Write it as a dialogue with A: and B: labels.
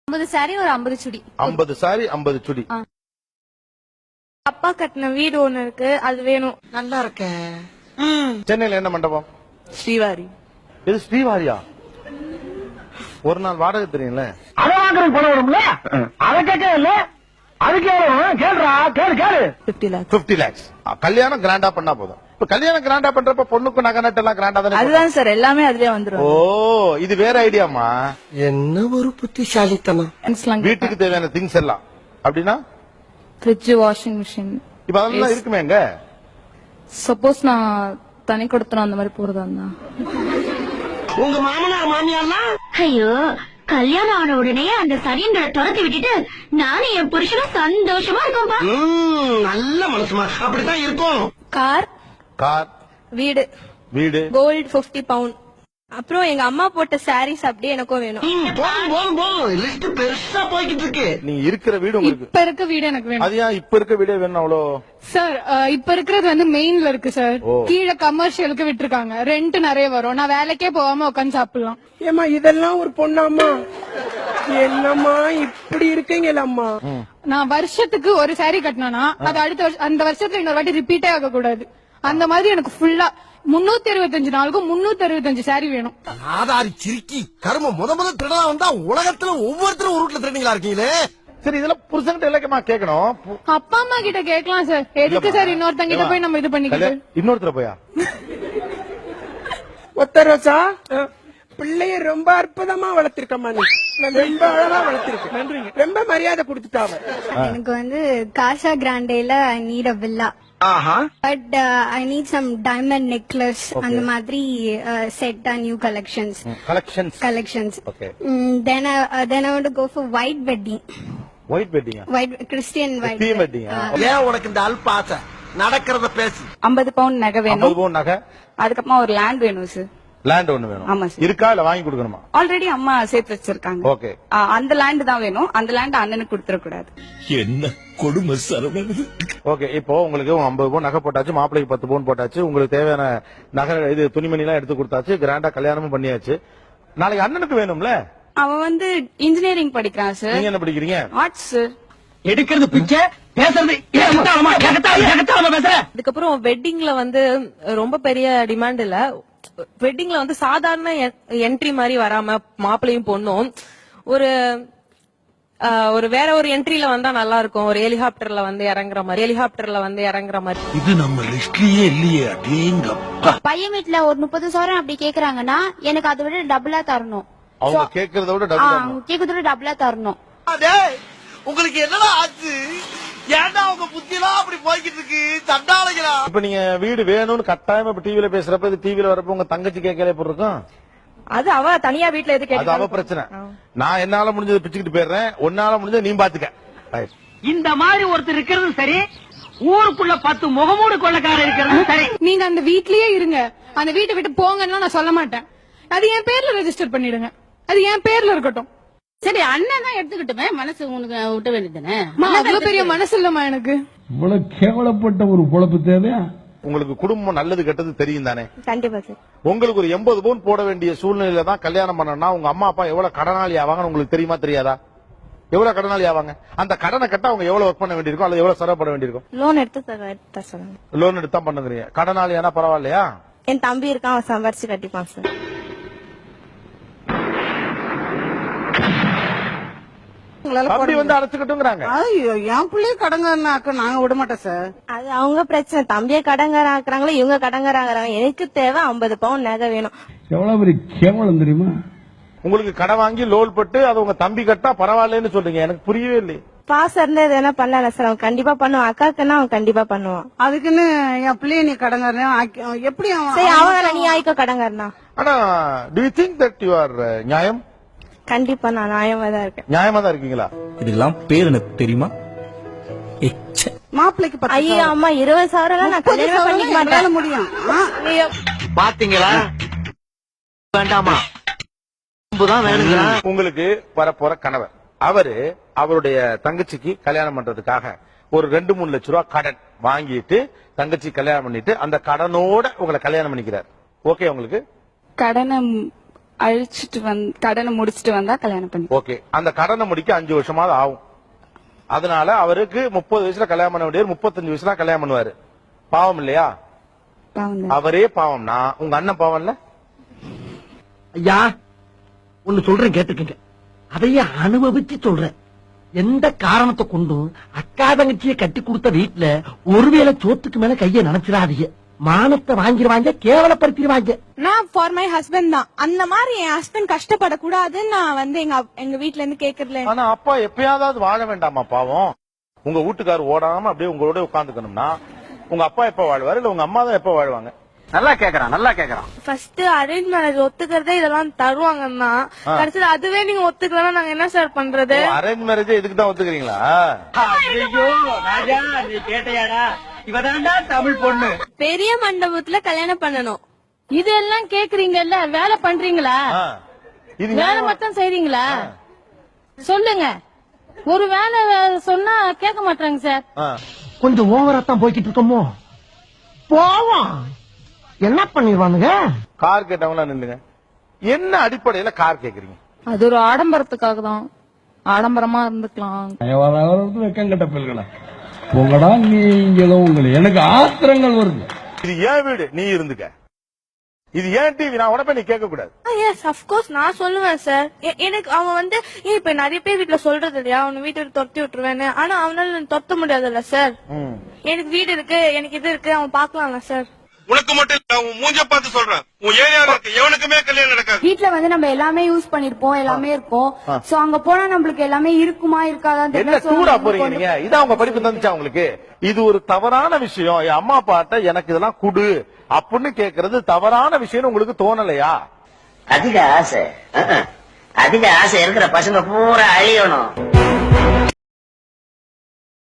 A: 50 sorry ஒரு 50 சுடி.
B: 50 sorry 50 சுடி.
A: அப்பா கட்டின வீடு ஒண்ணு இருக்கு, அது வேணும்.
C: நல்லா இருக்க.
B: சென்னையில என்ன மண்டபம்?
C: ஸ்ரீவாரி.
B: இது ஸ்ரீவாரியா? ஒரு நாள் வாடகை தெரியும்ல?
D: அதை வாங்குறதுக்கு பணம் வரும்ல, அதை கேட்க இல்ல, அதுக்கு கேளுடா, கேளு
C: 50 lakhs.
B: 50 lakhs. கல்யாணம் கிராண்டா பண்ணா போதும். இப்ப கல்யாணம் கிராண்டா பண்றப்ப பொண்ணுக்கு நகை நட்டு எல்லாம் கிராண்டா தானே?
C: அதுதான் சார், எல்லாமே அதுலயே வந்துரும்.
B: ஓ, இது வேற ஐடியாமா?
C: என்ன ஒரு புத்திசாலித்தனம்.
B: வீட்டுக்கு தேவையான திங்ஸ் எல்லாம் அப்படின்னா
A: ஃப்ரிட்ஜ், வாஷிங் மிஷின்.
B: இப்ப அதெல்லாம் இருக்குமே எங்க?
A: சப்போஸ் நான் தனி கொடுத்தனும் அந்த மாதிரி போறதா இருந்தா.
D: உங்க மாமனார் மாமியார்லாம்
E: ஐயோ, கல்யாணம் ஆன உடனே அந்த சரியங்களை துரத்தி விட்டுட்டு நானும் என் புருஷனும் சந்தோஷமா இருக்கோம்பா.
D: நல்ல மனசுமா, அப்படித்தான் இருக்கும்.
A: கார்,
B: கார்,
A: வீடு,
B: வீடு,
A: கோல்டு 50 பவுண்ட். அப்புறம் எங்க அம்மா போட்ட சாரீஸ் அப்படியே எனக்கும் வேணும்.
D: போதும் லிஸ்ட் பெருசா போய்கிட்டு இருக்கு.
B: நீங்க இருக்கிற வீடு உங்களுக்கு
A: இப்ப இருக்க வீடு எனக்கு வேணும்.
B: அது ஏன் இப்ப இருக்க வீடே வேணும் அவ்வளோ?
A: சார், இப்ப இருக்கிறது வந்து மெயின்ல இருக்கு சார். கீழே கமர்ஷியலுக்கு விட்டுருக்காங்க, ரெண்ட் நிறைய வரும். நான் வேலைக்கே போகாம உட்காந்து சாப்பிடலாம்.
F: ஏமா இதெல்லாம் ஒரு பொண்ணாம்மா? என்னம்மா இப்படி இருக்கீங்களம்மா?
A: நான் வருஷத்துக்கு ஒரு சாரி கட்டினா அது அடுத்த அந்த வருஷத்துல இன்னொரு வாட்டி ரிப்பீட்டே ஆக கூடாது. அந்த மாதிரி எனக்கு ஃபுல்லா 365 நாளுக்கும் 365 சாரி வேணும்.
D: ஆதாரி சிரிக்கி கரும முத திருடா வந்தா உலகத்துல ஒவ்வொருத்தரும் ஒரு வீட்டுல திருடீங்களா இருக்கீங்களே.
B: சரி, இதெல்லாம் புருஷன்கிட்ட இலக்கமா கேட்கணும்.
A: அப்பா அம்மா கிட்ட கேட்கலாம் சார். எதுக்கு சார் இன்னொருத்தங்க கிட்ட போய் நம்ம இது பண்ணிக்கிட்டு?
B: இன்னொருத்தர போயா?
F: ஒத்த ரோசா, பிள்ளைய ரொம்ப அற்புதமா வளர்த்திருக்கம்மா. நீ ரொம்ப அழகா வளர்த்திருக்க. நன்றிங்க. ரொம்ப மரியாதை கொடுத்துட்டாவ.
G: எனக்கு வந்து காசா கிராண்டேல I need a villa. But I need some diamond necklace, அந்த மாதிரி set new collections. Then I want to go for white wedding.
B: White வெட்டிங்கா?
G: ஒயிட் கிறிஸ்டியன் ஒயிட்
B: தீம் வெட்டிங்கா?
D: ஏன் உனக்கு இந்த அல்பாசை? நடக்கிறத பேசு.
C: 50 பவுண்ட் நகை வேணும்.
B: 50 பவுண்ட் நகை.
C: அதுக்கப்புறமா ஒரு லேண்ட் வேணும் சார்.
B: லேண்ட் ஒண்ணு வேணும்.
C: ஆமா சார்.
B: இருக்கா இல்ல வாங்கி கொடுக்கணுமா?
C: ஆல்ரெடி அம்மா சேர்த்து வச்சிருக்காங்க.
B: ஓகே.
C: அந்த லேண்ட் தான் வேணும். அந்த லேண்ட் அண்ணனுக்கு கொடுத்துட கூடாது.
H: என்ன கொடுமை சரவணன்.
B: ஓகே, இப்போ உங்களுக்கு 50 பவுன் நகை போட்டாச்சு, மாப்பிளைக்கு 10 பவுன் போட்டாச்சு, உங்களுக்கு தேவையான நகை இது துணிமணி எல்லாம் எடுத்து கொடுத்தாச்சு, கிராண்டா கல்யாணமும் பண்ணியாச்சு. நாளைக்கு அண்ணனுக்கு வேணும்ல?
C: அவன் வந்து இன்ஜினியரிங் படிக்கிறான் சார்.
B: நீங்க என்ன படிக்கிறீங்க?
C: Arts sir.
D: எடுக்கிறது பிச்சை, பேசுறது பேசுற.
I: அதுக்கப்புறம் வெட்டிங்ல வந்து ரொம்ப பெரிய டிமாண்ட் இல்ல. வெட்டிங்ல வந்து சாதாரண என்ட்ரி மாதிரி வராம மாப்பிளையும் பொண்ணும் ஒரு வேற ஒரு என்ட்ரில வந்தா நல்லா இருக்கும். ஒரு ஹெலிகாப்டர்ல வந்து இறங்குற மாதிரி.
H: இது நம்ம லிஸ்ட்லயே இல்லையே. அடேங்கப்பா.
G: பையன் வீட்டுல ஒரு 30 சவரன் அப்படி கேக்குறாங்கன்னா எனக்கு அதை விட டபுளா தரணும்.
B: அவங்க கேக்குறத விட
G: டபுளா தரணும்.
D: உங்களுக்கு என்னடா ஆச்சு? ஏன்டா உங்க புத்தியெல்லாம் அப்படி போய்கிட்டு இருக்கு? சண்டாளைகளா?
B: இப்ப நீங்க வீடு வேணும்னு கட்டாயமா இப்ப டிவில பேசுறப்ப, இது டிவில வரப்ப உங்க தங்கச்சி கேட்கல எப்படி இருக்கும்?
I: அது அவ தனியா வீட்டுல எது
B: அது அவ பிரச்சனை. நான் என்னால முடிஞ்சதை பிச்சுக்கிட்டு போயிடுறேன், உன்னால முடிஞ்சதை நீ பாத்துக்க.
D: இந்த மாதிரி ஒருத்தர் இருக்கிறது சரி, ஊருக்குள்ள 10 முகமூடு கொள்ளக்காரர் இருக்கிறது சரி.
A: நீங்க அந்த வீட்லயே இருங்க, அந்த வீட்டை விட்டு போங்கன்னு நான் சொல்ல மாட்டேன். அது என் பேர்ல ரெஜிஸ்டர் பண்ணிடுங்க, அது என் பேர்ல இருக்கட்டும்.
E: சரி, அண்ணன் தான் எடுத்துக்கிட்டுமே, மனசு உனக்கு விட்ட வேண்டியதானே.
A: அவ்வளவு பெரிய மனசு இல்லமா எனக்கு.
H: இவ்வளவு கேவலப்பட்ட ஒரு பொழப்பு தேவையா?
B: உங்களுக்கு குடும்பம் நல்லது கெட்டது தெரியும் தானே?
A: கண்டிப்பா சார்.
B: உங்களுக்கு ஒரு 80 பவுன் போட வேண்டிய சூழ்நிலையில தான் கல்யாணம் பண்ணனா உங்க அம்மா அப்பா எவ்வளவு கடனாளி ஆவாங்கன்னு உங்களுக்கு தெரியுமா தெரியாதா? எவ்வளவு கடனாளி ஆவாங்க? அந்த கடனை கட்ட அவங்க எவ்வளவு ஒர்க் பண்ண வேண்டியிருக்கும், அல்லது எவ்வளவு செலவு பண்ண வேண்டியிருக்கும்?
A: லோன் எடுத்து சொல்லுங்க.
B: லோன் எடுத்து தான் பண்ணுங்க. கடனாளி ஆனா பரவாயில்லையா?
A: என் தம்பி இருக்கான், அவன் சம்பாரிச்சு கட்டிப்பான் சார்.
B: அப்படி வந்து அடைச்சுக்கிட்டுங்கிறாங்க.
C: என் பிள்ளைய கடங்காரனாக்க நாங்க விட மாட்டோம் சார்.
A: அது அவங்க பிரச்சனை. தம்பிய கடங்காரன் ஆக்குறாங்களோ இவங்க கடங்காரங்க. எனக்கு தேவை 50 பவுன் நகை வேணும்.
H: எவ்வளவு பெரிய கேவலம் தெரியுமா?
B: உங்களுக்கு கடை வாங்கி லோன் போட்டு அது உங்க தம்பி கட்டா பரவாயில்லன்னு சொல்றீங்க. எனக்கு புரியவே இல்லை.
A: பாசம் இருந்தா எது வேணா பண்ணல சார். அவன் கண்டிப்பா பண்ணுவான். அக்காக்குன்னா அவன் கண்டிப்பா பண்ணுவான்.
C: அதுக்குன்னு என் பிள்ளைய நீ கடங்காரன் எப்படி?
A: சரி, அவன் நீ ஆயிக்க கடங்காரனா.
B: ஆனா do you think that you are நியாயம்?
A: கண்டிப்பா நான் நியாயமா தான் இருக்கேன்.
B: நியாயமா தான் இருக்கீங்களா?
H: இதெல்லாம் பேர் எனக்கு தெரியுமா?
C: மாப்பிளைக்கு
A: ஐயோ அம்மா 20 சவரம் நான் கல்யாணம் பண்ணிக்க மாட்டேன்.
C: முடியும்.
D: பாத்தீங்களா? வேண்டாமா வேணுங்களா?
B: உங்களுக்கு வரப்போற கணவர் அவரு அவருடைய தங்கச்சிக்கு கல்யாணம் பண்றதுக்காக ஒரு 2-3 லட்சம் ரூபாய் கடன் வாங்கிட்டு தங்கச்சி கல்யாணம் பண்ணிட்டு அந்த கடனோட உங்களை கல்யாணம் பண்ணிக்கிறார். ஓகே உங்களுக்கு?
A: கடனை
C: அழிச்சிட்டு கடனை முடிச்சிட்டு வந்தா கல்யாணம் பண்ணி.
B: ஓகே, அந்த கடனை முடிக்க 5 வருஷமாவது ஆகும். அதனால அவருக்கு 30 வயசுல கல்யாணம் பண்ண வேண்டியவர் 35 வயசுல கல்யாணம் பண்ணுவாரு. பாவம் இல்லையா? அவரே பாவம்னா உங்க அண்ணன் பாவம் இல்ல?
D: ஐயா ஒன்னு சொல்றேன் கேட்டுக்கங்க, அதையே அனுபவிச்சு சொல்றேன். எந்த காரணத்தை கொண்டும் அக்கா தங்கச்சியை கட்டி கொடுத்த வீட்டுல ஒருவேளை சோத்துக்கு மேல கைய நினைச்சிடாதீங்க. மானத்தை வாங்கிடுவாங்க, கேவலப்படுத்திடுவாங்க.
A: நான் ஃபார் மை ஹஸ்பண்ட் தான். அந்த மாதிரி என் ஹஸ்பண்ட் கஷ்டப்படக்கூடாதுன்னு நான் வந்து எங்க வீட்ல இருந்து கேக்குறேன்.
B: ஆனா அப்பா எப்பயாவது வாழ வேண்டாமா பாவம்? உங்க வீட்டுக்காரர் ஓடாம அப்படியே உங்களோட உட்காந்துக்கணும்னா உங்க அப்பா எப்ப வாழ்வாரு, இல்ல உங்க அம்மா தான் எப்ப வாழ்வாங்க?
D: நல்லா கேக்குறான்.
I: ஃபர்ஸ்ட் அரேஞ்ச் மேரேஜ் ஒத்துக்கிறதே இதெல்லாம் தருவாங்கன்னா கடைசியில அதுவே நீங்க ஒத்துக்கலன்னா நாங்க என்ன சார் பண்றது?
B: அரேஞ்ச் மேரேஜ் இதுக்கு தான் ஒத்துக்கிறீங்களா?
D: ஐயோ ராஜா, நீ கேட்டையாடா? இவதான்டா தமிழ் பொண்ணு.
I: பெரிய மண்டபத்துல கல்யாணம் பண்ணணும்.
A: இதெல்லாம் கேக்குறீங்கல்ல, வேலை பண்றீங்களா?
B: இது
A: வேலை மட்டும் செய்றீங்களா? சொல்லுங்க. ஒரு வேலை சொன்னா கேட்க மாட்டாங்க சார்.
D: கொஞ்சம் ஓவரா தான் போய்கிட்டு இருக்கோமோ? போவோம், என்ன பண்ணிடுவானுங்க?
B: கார் கேட்டவங்களா நில்லுங்க. என்ன அடிப்படையில கார் கேக்குறீங்க?
A: அது ஒரு ஆடம்பரத்துக்காக தான். ஆடம்பரமா இருந்துக்கலாம்.
H: வெக்கம் கட்ட பிள்ளைகளா உங்களடா நீங்க உங்களை எனக்கு ஆத்திரங்கள் வருது.
B: இது ஏன் வீடு, நீ இருந்துக்க. இது ஏன் டிவி, நான் உடனே நீ கேட்க கூடாது.
I: எஸ் ஆஃப் கோர்ஸ் நான் சொல்லுவேன் சார். எனக்கு அவன் வந்து இப்ப நிறைய பேர் வீட்டுல சொல்றது இல்லையா, அவனை வீட்டு துரத்தி விட்டுருவேன்னு. ஆனா அவனால துரத்த முடியாதுல்ல சார். எனக்கு வீடு இருக்கு, எனக்கு இது இருக்கு, அவன் பாக்கலாம்ல சார்.
B: உனக்கு மட்டும் இல்ல, உன் மூஞ்ச பார்த்து சொல்றேன், உன் ஏரியால இருக்கு எவனுக்குமே கல்யாணம் நடக்காது.
G: வீட்ல வந்து நம்ம எல்லாமே யூஸ் பண்ணிருப்போம், எல்லாமே இருக்கும். சோ அங்க போனா நம்மளுக்கு எல்லாமே இருக்குமா இருக்காதான்
B: என்ன சூடா போறீங்க நீங்க? இதான் உங்க படிப்பு தந்துச்சா உங்களுக்கு? இது ஒரு தவறான விஷயம். என் அம்மா அப்பாட்ட எனக்கு இதெல்லாம் குடு அப்படின்னு கேக்குறது தவறான விஷயம் உங்களுக்கு தோணலையா?
J: அதிக ஆசை இருக்கிற பசங்க பூரா அழியணும்.